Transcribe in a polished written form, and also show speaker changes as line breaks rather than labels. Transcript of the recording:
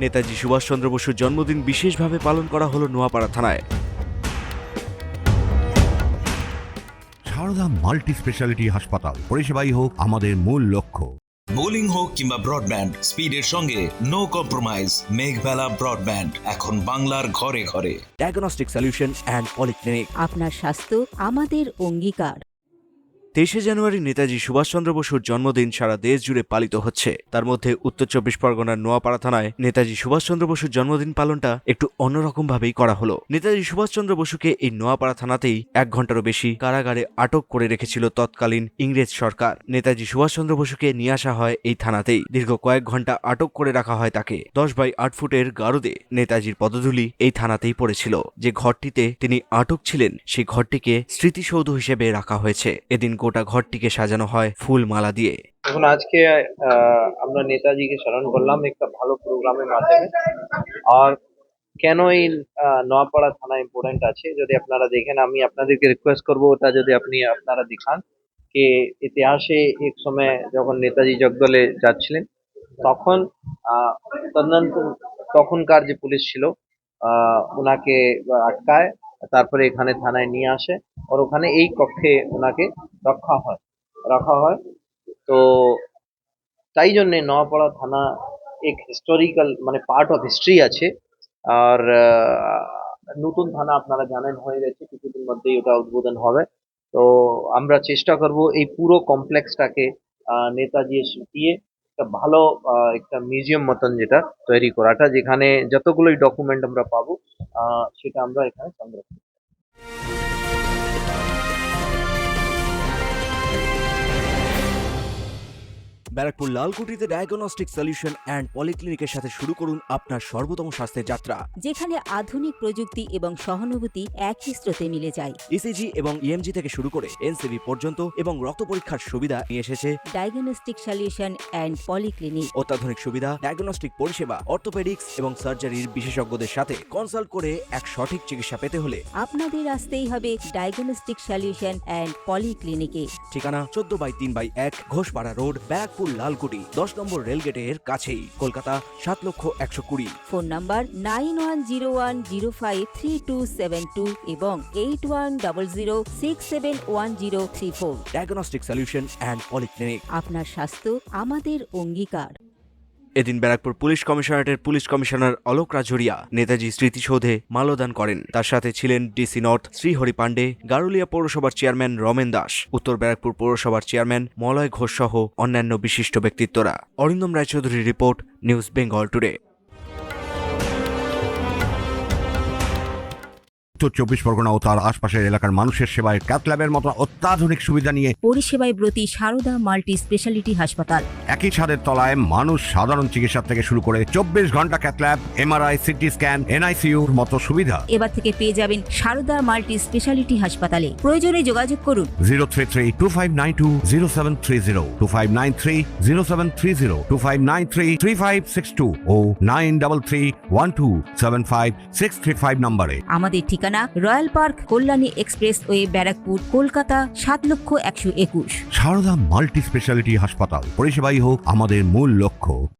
নেতাজি সুভাষচন্দ্র বসুর জন্মদিন বিশেষভাবে পালন করা হলো নোয়াপাড়া থানায়।
সারদা মাল্টি স্পেশালিটি হাসপাতাল, পরিষেবাই হোক আমাদের মূল লক্ষ্য।
বোলিং হোক কিংবা ব্রডব্যান্ড, স্পিডের সঙ্গে নো কম্প্রোমাইজ। মেঘবেলা ব্রডব্যান্ড এখন বাংলার ঘরে ঘরে।
Diagnostic solution and polyclinic.
আপনার স্বাস্থ্য আমাদের অঙ্গীকার।
23শে জানুয়ারি নেতাজি সুভাষচন্দ্র বসুর জন্মদিন সারা দেশ জুড়ে পালিত হচ্ছে। তার মধ্যে উত্তর চব্বিশ পরগনার নোয়াপাড়া থানায় নেতাজি সুভাষচন্দ্র বসুর জন্মদিন পালনটা একটু অন্যরকম ভাবেই করা হলো। নেতাজি সুভাষচন্দ্র বসুকে এই নোয়াপাড়া থানাতেই 1 ঘন্টারও বেশি কারাগারে আটক করে রেখেছিল তৎকালীন ইংরেজ সরকার। নেতাজি সুভাষচন্দ্র বসুকে নিয়ে আসা হয় এই থানাতেই। দীর্ঘ কয়েক ঘন্টা আটক করে রাখা হয় তাকে। 10x8 ফুটের গারদে নেতাজির পদধূলি এই থানাতেই পড়েছিল। যে ঘরটিতে তিনি আটক ছিলেন সেই ঘরটিকে স্মৃতিসৌধ হিসেবে রাখা হয়েছে। এদিন গোটা ঘরটিকে সাজানো হয় ফুল মালা দিয়ে।
এখন আজকে আমরা নেতাজিকে স্মরণ করলাম একটা ভালো প্রোগ্রামের মাধ্যমে। আর কেন এই নোয়াপাড়া থানা ইম্পর্টেন্ট আছে যদি আপনারা দেখেন, আমি আপনাদেরকে রিকোয়েস্ট করবো ওটা যদি আপনারা দেখান যে ইতিহাসে এক সময় যখন নেতাজি জগদলে যাচ্ছিলেন তখন তখনকার যে পুলিশ ছিল ওনাকে আটকায়, তারপরে এখানে থানায় নিয়ে আসে আর ওখানে এই কক্ষে ওনাকে রাখা হয়। তো তাই জন্যে নোয়াপাড়া থানা এক হিস্টোরিক্যাল মানে পার্ট অফ হিস্ট্রি আছে। আর নতুন থানা আপনারা জানেন হয়ে গেছে, কিছুদিন মধ্যেই ওটা উদ্বোধন হবে। তো আমরা চেষ্টা করব এই পুরো কমপ্লেক্সটাকে নেতাজি দিয়ে একটা ভালো একটা মিউজিয়াম মতন যেটা তৈরি করাটা, যেখানে যতগুলোই ডকুমেন্ট আমরা পাবো সেটা আমরা এখানে সংরক্ষণ।
ব্যারাকপুর লালকুটিতে ডায়াগনস্টিক সলিউশন অ্যান্ড পলিক্লিনিকের সাথে শুরু করুন আপনার সর্বোত্তম স্বাস্থ্যের যাত্রা,
যেখানে আধুনিক প্রযুক্তি এবং সহানুভূতি একই স্রোতে মিলে যায়।
ইসিজি এবং ইএমজি থেকে শুরু করে এনসিবি পর্যন্ত এবং রক্ত পরীক্ষার সুবিধা নিয়ে এসেছে
ডায়াগনস্টিক সলিউশন অ্যান্ড পলিক্লিনিক।
অত্যাধুনিক সুবিধা, ডায়াগনস্টিক পরিষেবা, অর্থোপেডিক্স এবং সার্জারির বিশেষজ্ঞদের সাথে কনসাল্ট করে এক সঠিক চিকিৎসা পেতে হলে
আপনাদের আসতেই হবে ডায়াগনস্টিক সলিউশন অ্যান্ড পলিক্লিনিকে।
ঠিকানা 14/3/1 ঘোষপাড়া রোড, ব্যারাকপুর লালকুটি, 10 নম্বর রেলগেটের কাছেই, কলকাতা 7,120,000।
ফোন নাম্বার 9101053272 এবং 8100671034।
Diagnostic solution and polyclinic.
আপনার স্বাস্থ্য আমাদের অঙ্গীকার।
এদিন ব্যারাকপুর পুলিশ কমিশনারেটের পুলিশ কমিশনার অলোক রাজরিয়া নেতাজি স্মৃতিসৌধে মাল্যদান করেন। তার সাথে ছিলেন ডিসি নর্থ শ্রীহরি পাণ্ডে, গারুলিয়া পৌরসভার চেয়ারম্যান রমেন দাস, উত্তর ব্যারাকপুর পৌরসভার চেয়ারম্যান মলয় ঘোষ সহ অন্যান্য বিশিষ্ট ব্যক্তিত্বরা। Arindam রায়চৌধুরীর report, news Bengal today.
উত্তর চব্বিশ পরগনা ও তার আশপাশের এলাকার মানুষের সেবায় ক্যাথ ল্যাবের মতো অত্যাধুনিক সুবিধা নিয়ে
পরিষেবায় ব্রতী সারদা মাল্টি স্পেশালিটি হাসপাতাল।
একই ছাদের তলায় মানুষ সাধারণ চিকিৎসা থেকে শুরু করে 24 ঘন্টা cath lab, MRI, CT scan, এনআইসিইউর মতো সুবিধা
এবার থেকে পেয়ে যাবেন সারদা মাল্টি স্পেশালিটি হাসপাতালে। প্রয়োজনে যোগাযোগ করুন
033-2592-0730, 2593-0730, 2593-3562 ও 9331275635 নম্বরে।
আমাদের ঠিকানা royal park, Kalyani express way, Barrackpore, Kolkata 7,121,000।
Sarada multi specialty হাসপাতাল, পরিষেবাই হোক আমাদের মূল লক্ষ্য।